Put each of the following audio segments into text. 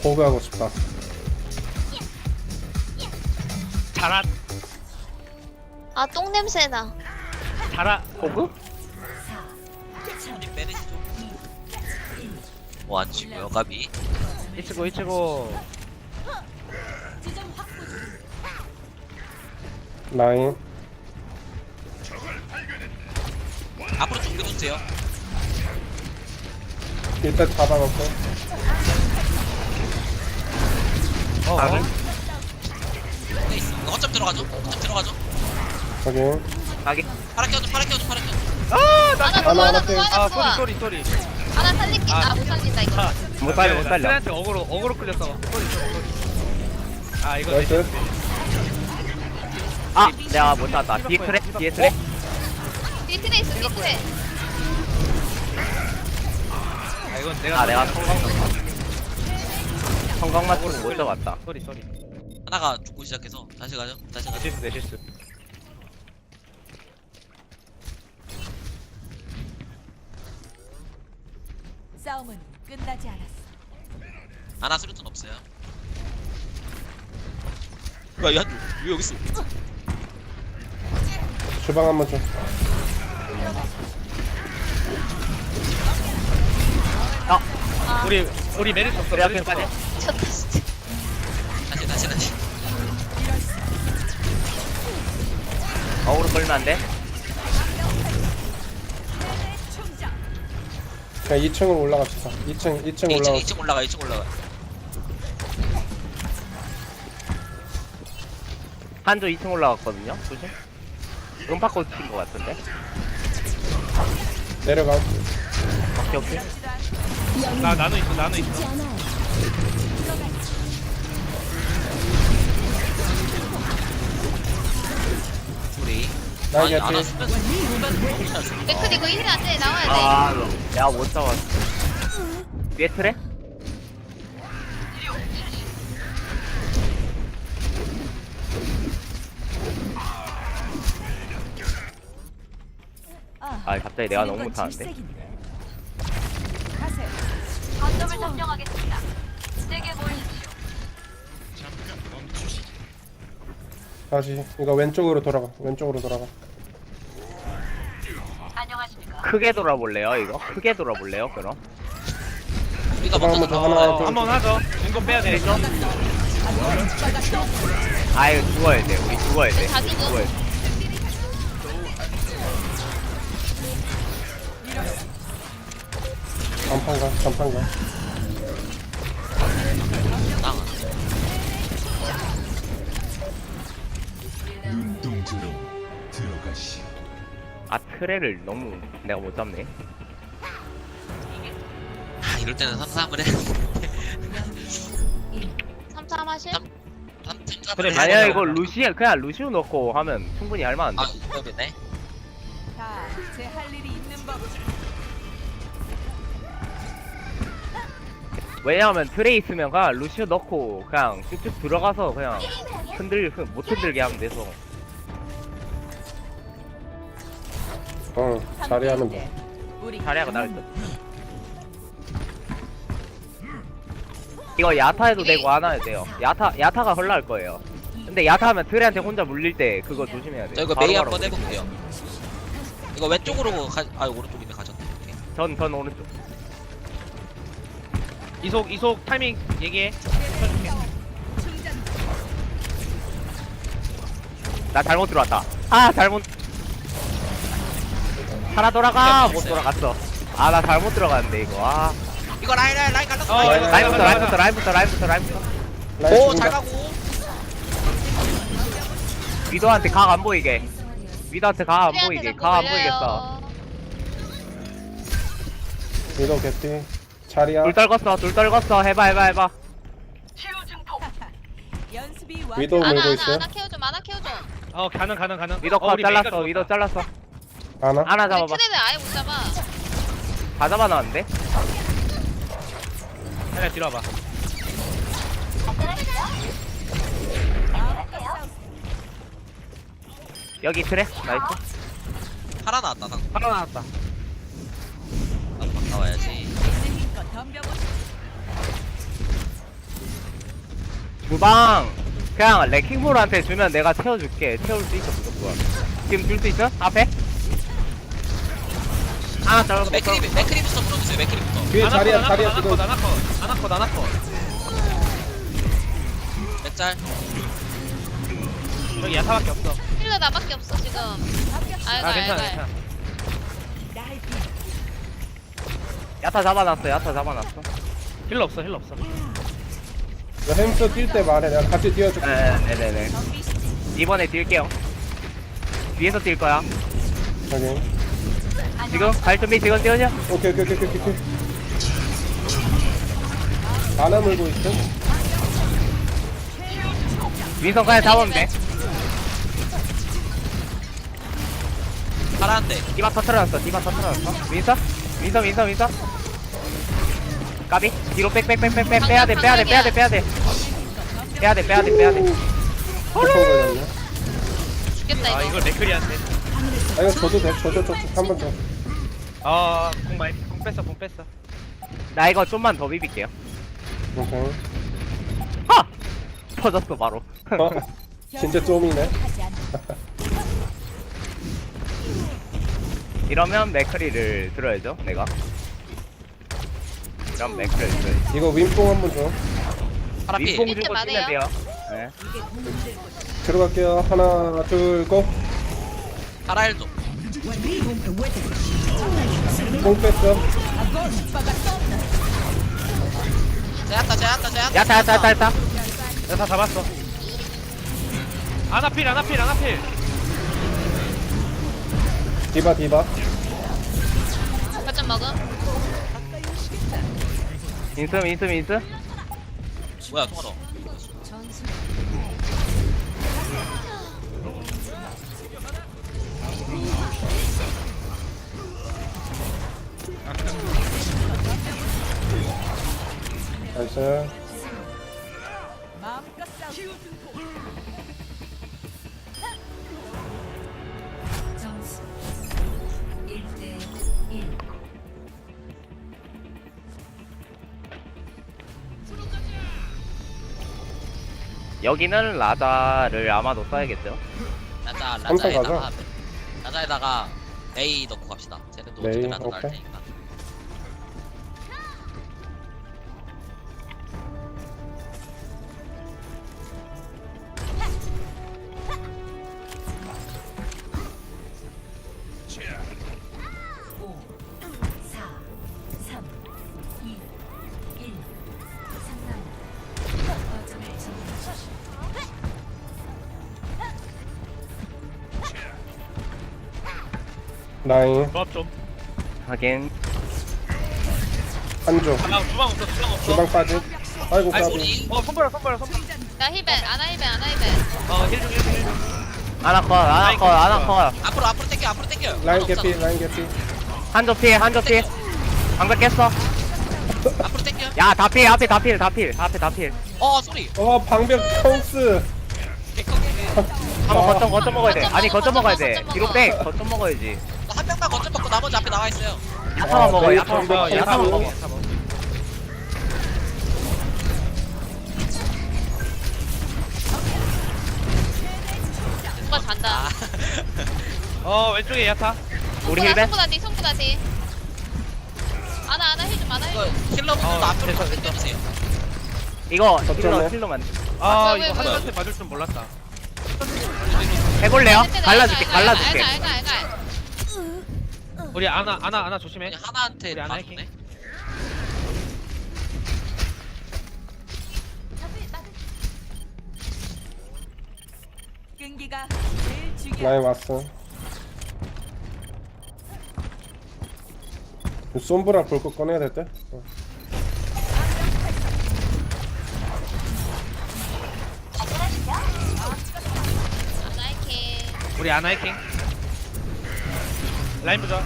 호그하고 싶다. 자라 아 똥냄새나. 자라. 호그? 메리지 좀. 안 치고요, 가비. 이치고 라인. 앞으로 좀 밀어주세요. 일단 잡아놓고. 어. 네, 있어. 거점 들어가죠? 거점 들어가죠? 확인. 가게. 파라 껴줘, 파라 껴줘, 파라 껴줘. 하나 하나, 부어 하나 하나 부어 하나 아 부어. 쏘리. 하나 살릴게. 아. 못 살린다 이거. 못 살려, 못 살려. 트레한테 어그로 끌렸어. 쏘리. 아 이거 나이스. 아, 내가 못 땄다. 뒤에 트랙, 뒤에 트랙. 뒤에 트레 있어 뒤에 트레. 아 이건 내가. 아, 내가 성광 맞추고 못 잡았다. 쏘리. 하나가 죽고 시작해서 다시 가죠. 다시 가죠. 실수 내 실수. 싸움은 끝나지 않았어. 하나 수류탄 없어요. 야, 야, 왜 여기 있어? 주방 한번 줘. 우리 메리트 없어. 그래, 앞에 빠져. 미쳤다 진짜. 다시. 어그로 걸면 안 돼? 그냥 2층으로 올라갑시다. 2층 2층, 올라가. 2층 올라가, 2층 올라가. 한조 2층 올라갔거든요. 조심. 음파코 튄거 같은데. 내려가. 오케이. 나는 있어. 둘이. 나이스. 하나 수면 맥클 이거 힐 안돼 나와야 돼. 아, 내가 못 잡았어. 뒤에 트랙? 아, 갑자기 내가 너무 못하는데. 가세요. 거점을 점령하겠습니다. 세게 보이십시오. 다시 이거 왼쪽으로 돌아가. 왼쪽으로 돌아가. 안녕하십니까. 크게 돌아볼래요, 이거? 크게 돌아볼래요, 그럼? 우리가 주방 먼저 한번 줘. 나가요. 하나, 한번 하죠. 인건 빼야 돼. 아유, 죽어야 돼. 우리 죽어야 돼. 다 죽어. 죽어야 돼. 전판가. 땅. 눈동자로 들어가시오. 아, 트레를 너무 내가 못 잡네. 아, 이럴 때는 3-3을 해. 3-3 하실? 3-3을 그래, 해야 아니야, 돼요. 이거 그냥 루시우 넣고 하면 충분히 할만한데. 아, 이거네. 다 제 할 일이 있는 법. 왜냐하면 트레 있으면 그냥 루시우 넣고 그냥 쭉쭉 들어가서 그냥 못 흔들게 하면 돼서. 자리하면 돼. 우리 자리하고 나을 듯. 이거 야타해도 되고 안 해도 돼요. 야타가 헐날 거예요. 근데 야타하면 트레한테 혼자 물릴 때 그거 조심해야 돼요. 저 이거 바로 메이 바로 한번 물릴 때. 해볼게요. 이거 왼쪽으로 오른쪽이네 가졌네. 오케이. 전 오른쪽. 이속 타이밍 얘기해. 나 잘못 들어왔다. 아, 잘못. 하나 돌아가. 못 돌아갔어. 아, 나 잘못 들어갔는데 이거. 아. 이거 라인 갈랐어. 라인부터. 오, 잘 가고. 위도한테 각 안 보이게. 위도한테 각 안 트레한테 보이게. 자꾸 각 안 걸려요. 보이겠어. 위도 개피. 자리야. 둘 떨궜어. 해봐. 연습이 완. 위도 아나 물고 있어요. 아나 케어좀 아나 케어좀. 가능. 위도 컷 우리 메이가 잘랐어. 위도 잘랐어. 하나. 하나 우리 잡아봐. 트레를 아예 못 잡아. 다 잡아놨는데? 하나 뒤로 와봐. 여기 트레? 나이스. 하나 나왔다. 하나 나왔다. 나와야지. 있는 힘껏 덤벼보시죠. 주방 그냥 레킹볼한테 주면 내가 채워줄게. 채울 수 있어 무조건. 지금 줄 수 있어? 앞에? 아 이거 저거 맥크리부터 물어주세요. 맥크리부터. 뒤에 자리야 자리야 지금. 나나컷. 맥짤. 여기 야타밖에 없어. 힐러 나밖에 없어 지금. 아 괜찮아. 야타 잡아놨어. 힐러 없어. 너 햄스터 뛸 때 말해. 내가 같이 뛰어줄게. 네네네. 이번에 뛸게요. 뒤에서 뛸 거야. 여기. 지금 갈 준비 지금 뛰어줘. 오케이. 안아 물고 있어. 윈선 그냥 잡으면 돼. 파란데. 디바 터트려놨어. 윈선. 까비. 뒤로 빽. 빼야 돼. 쿠폰 걸렸네. 죽겠다 아 이거. 이걸 맥크리한테. 아 이거 줘도 돼. 줘. 한 번 더. 아공 뺐어. 나 이거 좀만 더 비빌게요. 오케이. 하! 터졌어 바로. 어? 진짜 좀이네. 하지 않는다. 이러면 맥크리를 들어야죠. 내가. 이러면 맥크리를 들어야지. 이거 윈뽕 한 번 줘. 파라피. 윗봉 밑에 주고 많아요? 뛰면 돼요. 네. 들어갈게요. 하나, 둘, 고. 파라일도. 뽕 뺐어. 제야타. 야타. 야타 잡았어. 아나필. 디바. 거점 먹음. 인스. 뭐야 통화로. 나이스. 마음껏 싸우. 점수 1대 1. 여기는 라자를 아마도 써야겠죠. 삼성 가자. 라자에다가 메이 넣고 갑시다. 쟤는 또 어떻게 메이, 라자 나올 오케이. 테니까. 오, 4, 3, 2, 1. 상남. 거점을 점령하십시오. 나인. 조합 좀. 하긴 한조. 주방 없어. 주방 빠지. 아이고 아이 까비. 소리. 손보라. 나 힐벤 아나 힐벤. 힐. 아나컷. 앞으로 땡겨. 라인 없잖아. 개피. 한조 피. 방벽 깼어. 앞으로 땡겨. 야 앞에 다 필. 소리. 방벽 통스. 개커게. 한번 거점 먹어야 돼. 아니 거점 먹어야 돼. 거점 뒤로 먹어. 빼. 거점 먹어야지. 한 명만 거점 먹고 나머지 앞에 나와 있어요. 야타만 먹어. 메이 야타만 방벽 먹어. 야타만 통스. 먹어. 누가 잔다. 왼쪽에 야타. 우리 힐벤. 송구다 뒤. 아나 힐좀 아나 이거 힐. 힐러분들도 앞으로 됐어. 당겨주세요. 이거 거점에. 힐러만 이거 왜? 한한테 맞을 줄 몰랐다. 해볼래요? 네, 갈라줄게. 알갈. 우리 아나 조심해. 그냥 하나한테 우리 안 다 할게. 줬네. 끈기가 제일 중요한. 라인 왔어. 솜브라 볼 거 꺼내야 될 때. 아나 힐. 우리 아나 해킹. 라인 보자.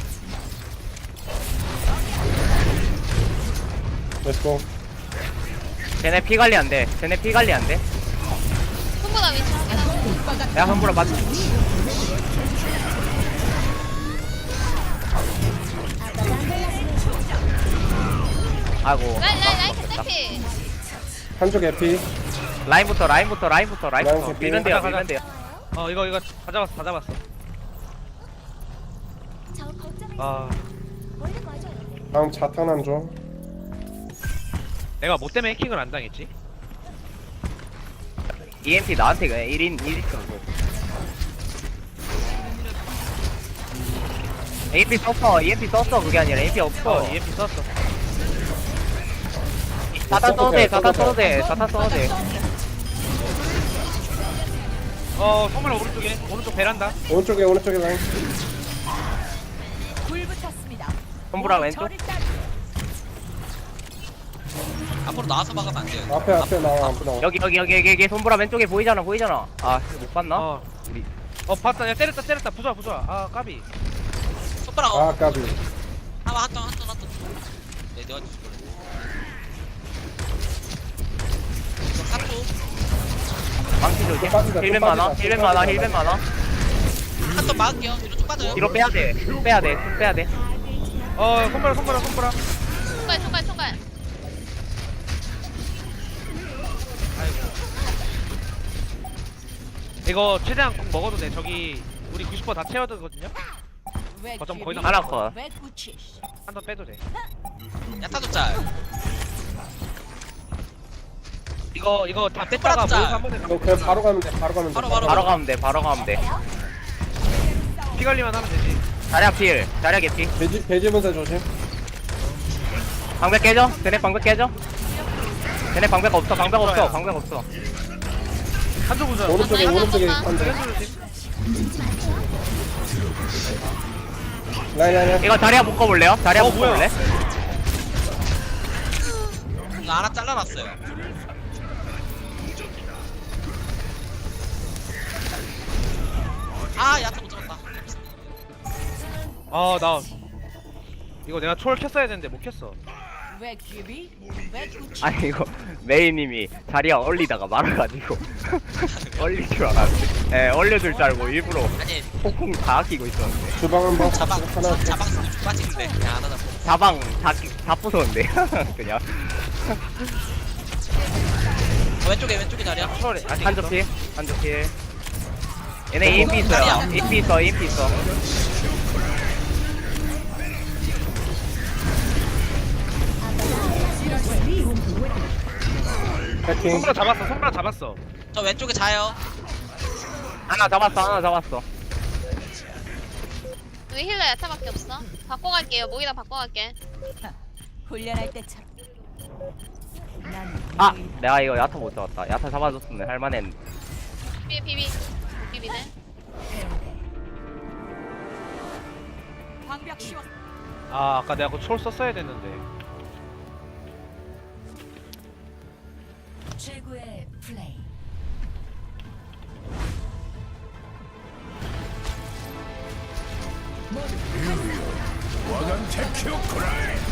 렛츠고. 쟤네 피 관리 안 돼. 송구다 위치 확인하고. 야 함부로 맞. 아이고. 라인 힐. 한조 개피. 라인부터 라인 밀면 돼요 가자, 밀면 돼요. 이거 다 잡았어. 저 거점에 아, 원래 맞아요. 다음 자탄한 줘. 내가 뭐 때문에 해킹을 안 당했지? EMP 나한테 그냥 1인 정도. EMP 썼어 그게 아니라 EMP 없어. EMP 썼어. 자탄 써도 돼. 성물 오른쪽 베란다. 오른쪽에 라인. 불붙었습니다. 손보라 왼쪽. 저를 따르- 앞으로 나와서 막으면 안 돼요. 앞에 나와. 여기 손보라 왼쪽에 보이잖아. 아 못 봤나? 우리 봤다. 야, 때렸다. 부숴. 아, 까비. 손가락 아 까비. 한턴 네 내가 주실 거래. 이거 사투 망치 조심. 빠진다, 힐벤 또 많아. 빠진다. 한턴 막을게요. 뒤로 쭉 빠져요. 뒤로 빼야 돼. 빼야 돼. 손가락. 총괄. 이거 최대한 꼭 먹어도 돼. 저기 우리 90% 다 채워두거든요. 왜 거점 거의 귀비? 다 하나 컷. 왜 굳히시? 한 번 빼도 돼. 야타도 짤. 이거 다 아, 뺐다가 뺐다. 모여서 한번 해. 이거 그냥 바로 가면 돼. 바로. 바로 가면 돼. 피 관리만 하면 되지. 자리야 개피. 돼지 분쇄 조심. 방벽 깨져. 쟤네 방벽 없어. 한쪽 부숴. 오른쪽에 잠깐만. 한대. 한쪽 조심. 라인. 이거 자리야 묶어볼래요? 뭐야? 이거 하나 잘라놨어요. 아 야타 못 잡았다. 나 이거 내가 초월 켰어야 되는데 못 켰어. 왜 귀비? 왜 굳히? 아니 이거 메이님이 자리야 얼리다가 말아가지고 얼릴 줄 알았는데 얼려줄 줄 알고 일부러 아니 폭풍 다 아끼고 있었는데 자방 주방 한번 하나. 쓰고 쭉 빠지는데 야 하나 잡고. 자방 다 부쉈는데 그냥 왼쪽에 자리야. 초월이 아직 한쪽 필 얘네 EMP 있어요. EMP 있어. 해킹. 손가락 잡았어. 저 왼쪽에 자요. 하나 잡았어. 여기 힐러 야타밖에 없어. 바꿔갈게요. 모이다 바꿔갈게. 훈련할 때처럼. 난 아 내가 이거 야타 못 잡았다. 야타 잡아줬으면 할만했는데. 비비네. 방벽 씌웠. 아까 내가 그 초월 썼어야 됐는데. 최고의 플레이. 와간 테큐 코라이